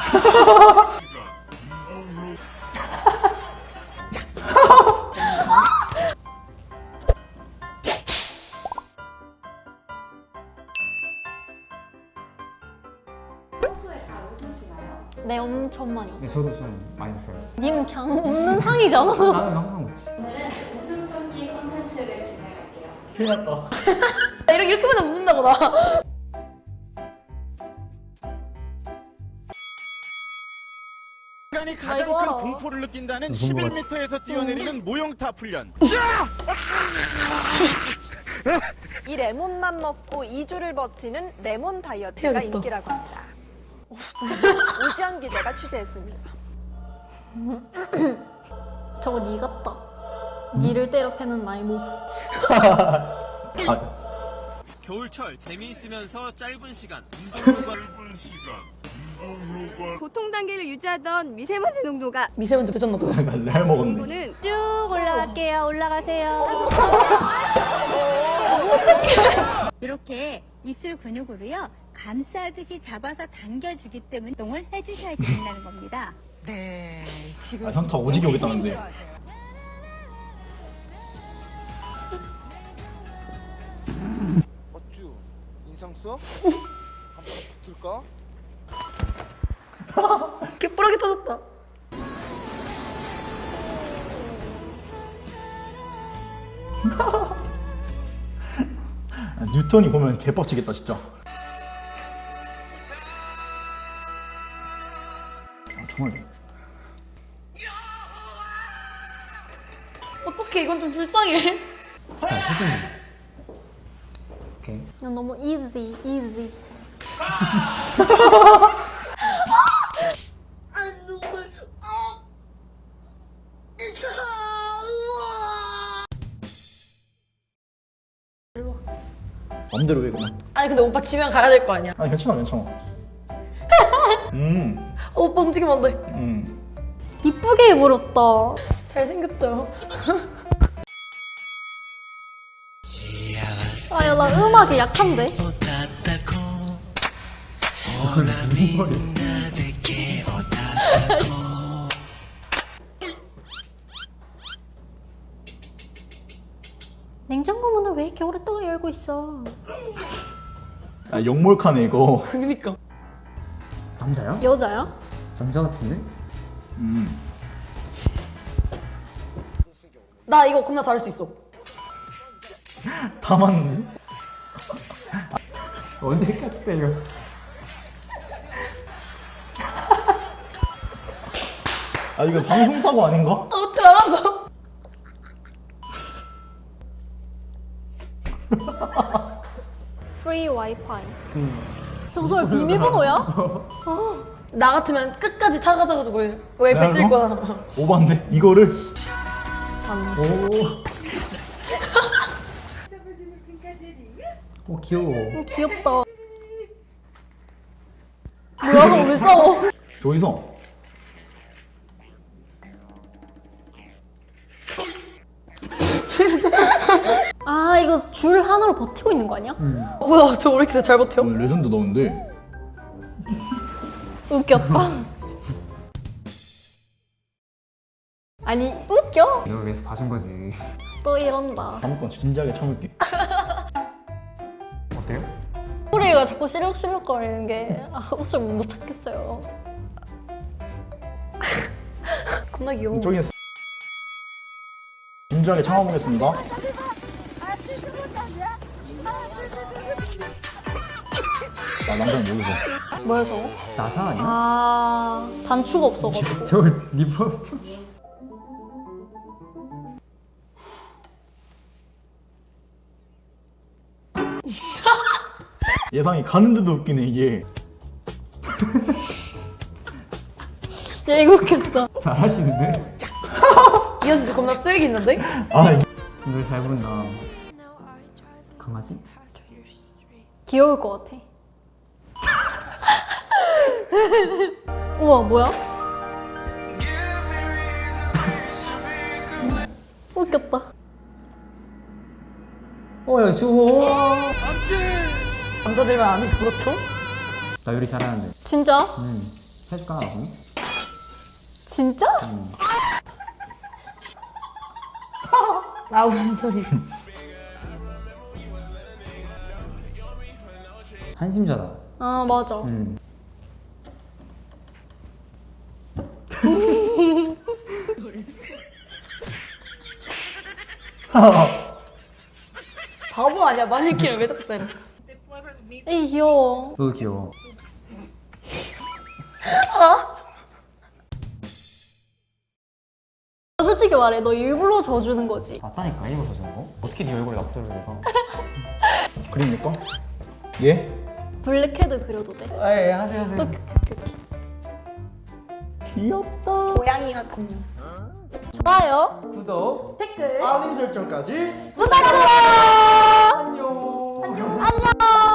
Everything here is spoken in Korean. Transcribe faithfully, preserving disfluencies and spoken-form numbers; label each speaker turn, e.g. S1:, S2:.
S1: 평소에 잘 웃으시나요?
S2: 네, 엄청 많이 웃어요.
S3: 네, 저도 좀 많이 웃어요.
S2: 니는 그냥 웃는 상이잖아.
S3: 나는 항상 웃지.
S1: 오늘은 웃음 참기 콘텐츠를 진행할게요.
S3: 큰일 났다.
S2: 이렇게, 이렇게 맨날 웃는다고, 나.
S4: 인간이 가장
S2: 아이고,
S4: 큰
S2: 알아.
S4: 공포를 느낀다는
S3: 무슨 거
S4: 십일 미터에서 뛰어내리는 모형탑 훈련.
S5: 이 레몬만 먹고 이 주를 버티는 레몬 다이어트가
S2: 해야겠다.
S5: 인기라고 합니다. 오지연 기자가 취재했습니다.
S2: 저거 니 같다. 니를 때려 패는 나의 모습.
S3: 아,
S6: 겨울철 재미있으면서 짧은 시간 운동과
S7: 보통 단계를 유지하던 미세먼지 농도가
S2: 미세먼지 배졌나 보다.
S3: 날 먹었네.
S7: 농도는
S2: 쭉 올라갈게요. 올라가세요.
S8: 이렇게 입술 근육으로요 감싸듯이 잡아서 당겨주기 때문에 운동을 해주셔야 된다는 겁니다.
S5: 네, 지금
S3: 아, 현타 오지게 오겠다는데.
S9: 어쭈 인상 써? 한번 붙을까?
S2: 개뿌라기 터졌다.
S3: 아, 뉴턴이 보면 개빡치겠다 진짜. 아, 정말.
S2: 어떡해, 이건 좀 불쌍해.
S3: 자, 세 분. 오케이.
S2: 난 너무 easy, easy.
S3: 맘대로 해 그냥.
S2: 아니, 근데 오빠 지면 가야 될 거 아니야.
S3: 아니 괜찮아 괜찮아. 음,
S2: 어, 오빠 움직이면 안 돼.
S3: 음.
S2: 이쁘게 해버렸다. 잘생겼죠? 아, 야, 나 음악이 약한데? 냉장고 문을 왜 이렇게 오랫동안 열고 있어?
S3: 아 역몰카네 이거.
S2: 그니까.
S3: 남자야?
S2: 여자야?
S3: 남자 같은데? 음.
S2: 나 이거 겁나 잘할 수 있어.
S3: 다 맞는데? 언제까지 때려? 아 이거 방송 사고 아닌가?
S2: 아, 어떻게 알았어? 프리 와이파이. 저거 설마 비밀번호야? 어. 나 같으면 끝까지 찾아가지고 와이파이 쓸 거야.
S3: 오반데 이거를.
S2: 맞네.
S3: 오. 오 귀여워.
S2: 음, 귀엽다. 뭐야, 그럼 왜 싸워?
S3: 조이성.
S2: 아, 이거 줄 하나로 버티고 있는 거 아니야? 어, 뭐야, 저거 왜 이렇게 잘 버텨?
S3: 오늘 레전드 나오는데.
S2: 웃겼다. 아니, 웃겨?
S3: 이걸 위해서 봐준 거지.
S2: 또 이런다.
S3: 다음 건 진지하게 참을게. 어때요?
S2: 소리가 자꾸 실룩실룩 거리는 게 아, 웃을 못 참겠어요. 겁나 귀여워.
S3: 저기 진지하게 참아보겠습니다. 나 남자는 모르죠.
S2: 뭐야 저거?
S3: 나사 아니야?
S2: 아, 단추가 없어가지고.
S3: 저 리버. 예상이 가는데도 웃기네 이게.
S2: 야, 이거 웃겼다.
S3: 잘하시는데?
S2: 이거 진짜 겁나 쓰레기 있는데?
S3: 아 노래 잘 부른다. 강아지?
S2: 귀여울 것 같아. 우와, 뭐야? 웃겼다.
S3: 어야 쇼.
S2: 남자들만 아는 그것도?
S3: 나 요리 잘하는데.
S2: 진짜?
S3: 음. 해줄까 나도?
S2: 진짜? 아 무슨 소리?
S3: 한심자다.
S2: 아 맞아.
S3: 음.
S2: 바보 아니야? 마네킹을 왜 자꾸 때려? 에이 귀여워.
S3: 너 귀여워.
S2: 솔직히 말해, 너 일부러 져주는 거지?
S3: 맞다니까 이거 주는 거? 어떻게 네 얼굴에 낙서를 내가? 그립니까? 예?
S2: 블랙헤드 그려도 돼?
S3: 아 예 하세요 하세요.
S2: 오케이, 오케이, 오케이.
S3: 귀엽다.
S2: 고양이 같군요. 좋아요.
S3: 구독.
S2: 댓글.
S9: 알림 설정까지
S2: 부탁드려요.
S3: 안녕.
S2: 안녕.